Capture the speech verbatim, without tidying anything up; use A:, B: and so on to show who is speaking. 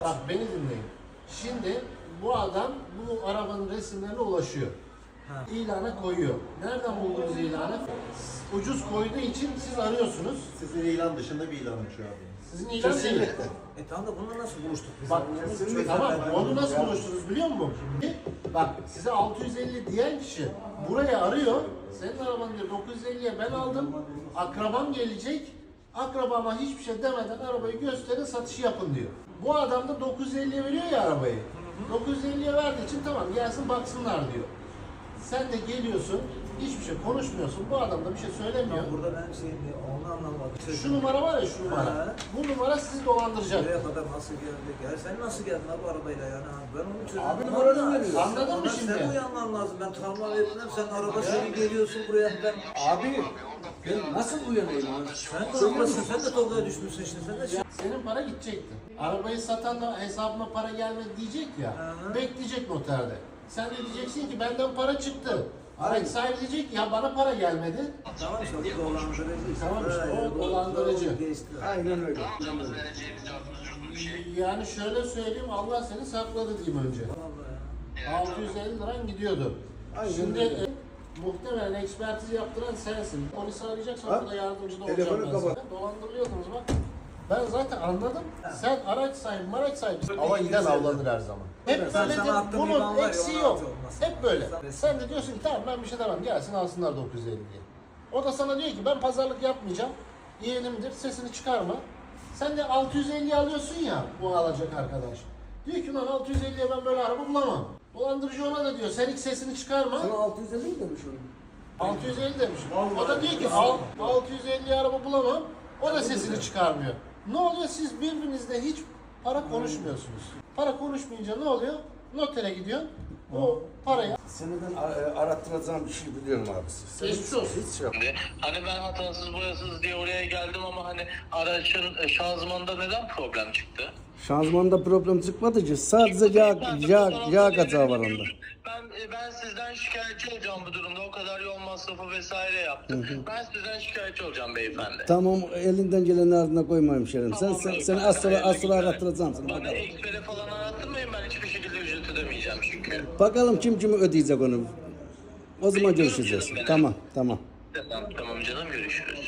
A: Bak beni dinleyin. Şimdi bu adam bu arabanın resimlerine ulaşıyor.
B: Ha.
A: İlana koyuyor. Nereden buldunuz ilanı? Ucuz koyduğu için siz arıyorsunuz.
C: Sizin ilan dışında bir ilan açıyor abi.
A: Sizin ilan değil.
C: Kesinlikle.
B: E tamam da bununla nasıl buluştuk biz?
A: Bak
B: Çok
A: tamam
B: güzel.
A: onu nasıl buluştunuz biliyor musun? Bak size altı yüz elli diyen kişi buraya arıyor. Senin arabanı diyor dokuz yüz elliye ben aldım. Akrabam gelecek. Akrabama hiçbir şey demeden arabayı gösterin satışı yapın diyor. Bu adam da dokuz yüz elliye veriyor ya arabayı. dokuz yüz elliye verdiği için tamam gelsin baksınlar diyor. Sen de geliyorsun, hiçbir şey konuşmuyorsun. Bu adam da bir şey söylemiyor.
B: Burada ben şey onu anlamadım.
A: Şu numara var ya şu numara.
B: Ha.
A: Bu numara sizi dolandıracak.
B: Buraya kadar nasıl geldik? Ya sen nasıl geldin abi arabayla yani? Ben onu çözdüm.
C: Abi numaranı veriyorsun.
A: Anladın mı
B: Ama
A: şimdi?
B: Sen uyanman lazım. Ben tamam verdim. Sen araba seni geliyorsun buraya. Ben
C: Abi ben nasıl uyanayım abi?
B: sen de oradasın. Sen de Tolga'ya düşmüşsün işte. Sen de şey.
A: Senin para gidecekti. Arabayı satan da hesabıma para gelmedi diyecek ya.
B: Hı.
A: Bekleyecek noterde. Sen de diyeceksin ki benden para çıktı. Araç sahibi diyecek ki, ya bana para gelmedi.
B: Tamam işte o dolandırıcı.
A: Tamam işte, o
B: Ha,
A: dolandırıcı.
B: Geçti.
C: Aynen öyle.
D: Alacağımız vereceğimiz yardımcı bir şey.
A: Yani şöyle söyleyeyim, Allah seni sakladı diyeyim önce.
B: Vallahi ya.
A: altı yüz elli liran gidiyordu.
C: Aynen
A: Şimdi
C: öyle.
A: e, muhtemelen ekspertiz yaptıran sensin. Polisi arayacaksan
C: Ha?
A: burada yardımcı da
C: Telefonu
A: olacağım ben sana.
C: kapat.
A: Dolandırılıyordunuz bak. Ben zaten anladım. Sen araç sahibi, maraç sahibi. Ama giden avlanır her zaman. Hep
B: Sen-
A: böyledir.
B: sana attığım
A: Bunun
B: ilan var ya,
A: eksiği
B: ona
A: yok.
B: atıyor olmaz.
A: Hep böyle.
B: Sen-
A: Sen de diyorsun ki tamam ben bir şey demem. Gelsin alsınlar dokuz yüz elli diye. O da sana diyor ki ben pazarlık yapmayacağım. Yeğenimdir sesini çıkarma. Sen de altı yüz elli alıyorsun ya bu alacak arkadaş. Diyor ki lan altı yüz elliye ben böyle araba bulamam. Dolandırıcı ona da diyor sen hiç sesini çıkarma.
C: Sana altı yüz elli mi demiş onu?
A: altı yüz elli demiş. O da diyor ki al, altı yüz elli araba bulamam. O da sesini çıkarmıyor. Ne oluyor? Siz birbirinizle hiç para konuşmuyorsunuz. Para konuşmayınca ne oluyor? Notere gidiyorsun. O parayı
C: Seni ben a- arattıracağım bir şey biliyorum abi. Sen
A: Geçmiş olsun.
C: Hiç şey yap.
D: Hani ben hatasız boyasız diye oraya geldim ama hani aracın e, şanzımanında neden problem çıktı?
E: Şanzımanda problem çıkmadı ki. Sadece yağ, yağ, yağ kazağı var onda.
D: Ben e, ben sizden şikayetçi olacağım bu durumda. O kadar yol masrafı vesaire yaptım. Ben sizden şikayetçi olacağım beyefendi.
E: Tamam elinden gelenin ardına koyma hemşerim. Sen,
D: Tamam,
E: sen,
D: beyefendi.
E: seni az sonra, az sonra
D: Hayırlı
E: arattıracağım
D: günler.
E: sana.
D: Bana
E: Bakalım.
D: ekspere falan arattırmayın, ben hiçbir şekilde ücret ödemeyeceğim çünkü.
E: Bakalım kim kimi ödeyecek onu. O zaman görüşeceğiz. Tamam tamam.
D: Tamam, tamam canım, görüşürüz.